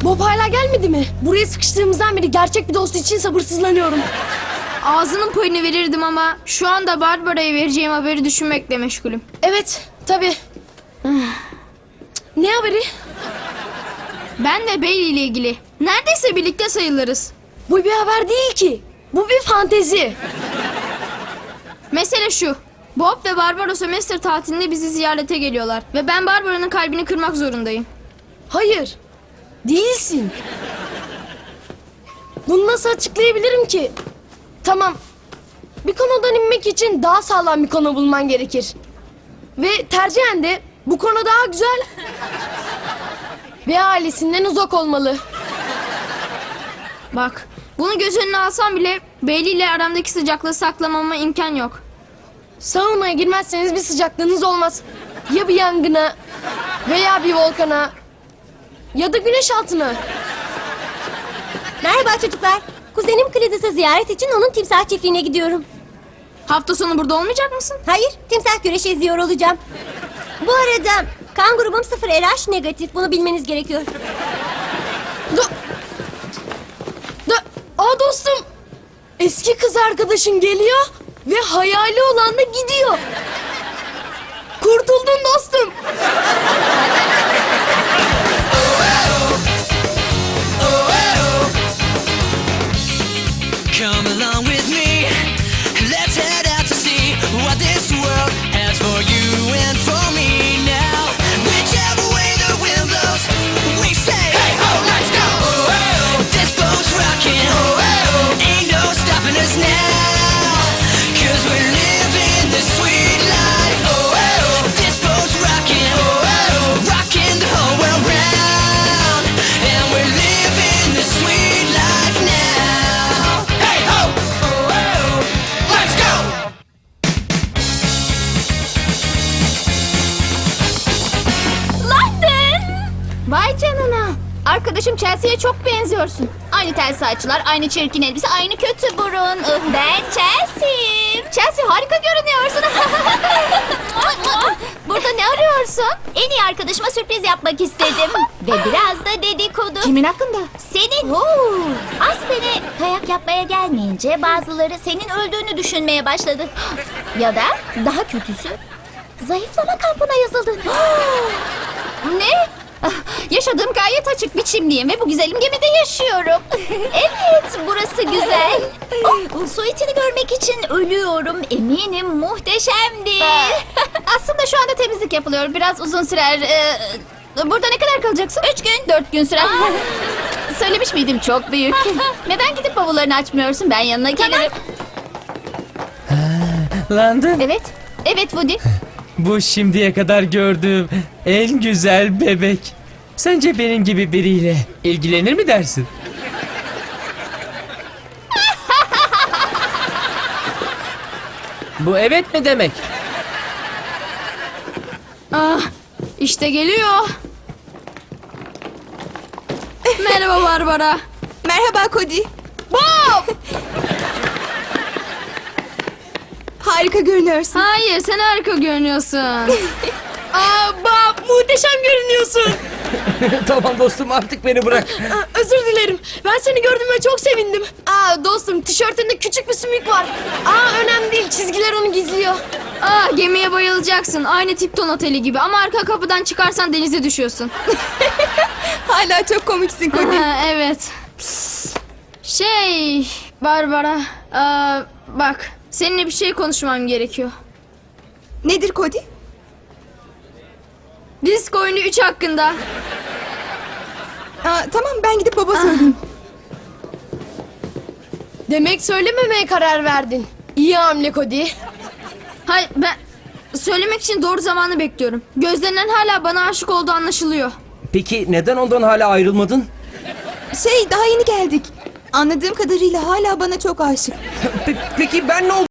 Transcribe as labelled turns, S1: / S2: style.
S1: Bob hala gelmedi mi? Buraya sıkıştığımızdan beri gerçek bir dost için sabırsızlanıyorum.
S2: Ağzının payını verirdim ama şu anda Barbara'ya vereceğim haberi düşünmekle meşgulüm.
S1: Evet, tabii. Ne haberi?
S2: Ben ve Bailey ile ilgili. Neredeyse birlikte sayılırız.
S1: Bu bir haber değil ki. Bu bir fantezi.
S2: Mesele şu. Bob ve Barbara sömestr tatilinde bizi ziyarete geliyorlar. Ve ben Barbara'nın kalbini kırmak zorundayım.
S1: Hayır. Değilsin. Bunu nasıl açıklayabilirim ki? Tamam. Bir konudan inmek için daha sağlam bir konu bulman gerekir. Ve tercihen de bu konu daha güzel. Ve ailesinden uzak olmalı.
S2: Bak, bunu göz önüne alsam bile Bailey ile aramdaki sıcaklığı saklamama imkan yok.
S1: Saunaya girmezseniz bir sıcaklığınız olmaz. Ya bir yangına veya bir volkana ya da güneş altına.
S3: Merhaba çocuklar. Kuzenim Cledis'i ziyaret için onun timsah çiftliğine gidiyorum.
S2: Hafta sonu burada olmayacak mısın?
S3: Hayır, timsah güreşi izliyor olacağım. Bu arada kan grubum 0 RH negatif. Bunu bilmeniz gerekiyor.
S1: Aa dostum. Eski kız arkadaşın geliyor ve hayali olan da gidiyor. Kurtuldun dostum.
S4: Come along with me. Let's head out to see what this world has for you and for me now. Whichever way the wind blows, we say, hey ho, let's go. This boat's rocking. Ain't no stopping us now. 'Cause we're living the sweet life. This boat's rocking. Rocking the whole world round. And we're living the sweet life now. Hey ho! Let's go!
S2: London! Vay canına. Arkadaşım Chelsea'ye çok benziyorsun. Aynı tel saçlar, aynı çirkin elbise, aynı kötü burun. Ben Chelsea'yim. Chelsea harika görünüyorsun. Burada ne arıyorsun?
S3: En iyi arkadaşıma sürpriz yapmak istedim. Ve biraz da dedikodu.
S2: Kimin hakkında?
S3: Senin. Aspen'e kayak yapmaya gelmeyince bazıları senin öldüğünü düşünmeye başladı. Ya da daha kötüsü zayıflama kampına yazıldın.
S2: Ne? Yaşadığım gayet açık biçimliyim ve bu güzelim gemide yaşıyorum.
S3: Evet, burası güzel. Su itini görmek için ölüyorum. Eminim muhteşemdir.
S2: Aslında şu anda temizlik yapılıyor. Biraz uzun sürer. Burada ne kadar kalacaksın? 3 gün. 4 gün sürer. Söylemiş miydim çok büyük. Neden gidip bavullarını açmıyorsun? Ben yanına gelirim.
S5: London,
S2: Evet. Evet Woody.
S5: bu şimdiye kadar gördüğüm en güzel bebek. Sence benim gibi biriyle ilgilenir mi dersin? Bu evet mi demek?
S2: Ah, işte geliyor. Merhaba Barbara.
S6: Merhaba Cody.
S2: Bob!
S6: Harika görünüyorsun.
S2: Hayır, sen harika görünüyorsun.
S1: Aa Bob, muhteşem görünüyorsun.
S5: Tamam dostum, artık beni bırak.
S1: Özür dilerim. Ben seni gördüğüme çok sevindim. Aa dostum, tişörtünde küçük bir sümük var. Aa önemli değil, çizgiler onu gizliyor.
S2: Ah, gemiye bayılacaksın. Aynı Tipton Oteli gibi ama arka kapıdan çıkarsan denize düşüyorsun.
S6: Hala çok komiksin Cody.
S2: Ha, evet. Barbara. Bak, seninle bir şey konuşmam gerekiyor.
S6: Nedir Cody?
S2: Disk oyunu 3 hakkında.
S6: Tamam, ben gidip baba söyleyeyim.
S1: Demek söylememeye karar verdin. İyi hamle Cody.
S2: Hayır, ben söylemek için doğru zamanı bekliyorum. Gözlerinden hala bana aşık olduğu anlaşılıyor.
S5: Peki neden ondan hala ayrılmadın?
S6: Daha yeni geldik. Anladığım kadarıyla hala bana çok aşık.
S5: Peki ben ne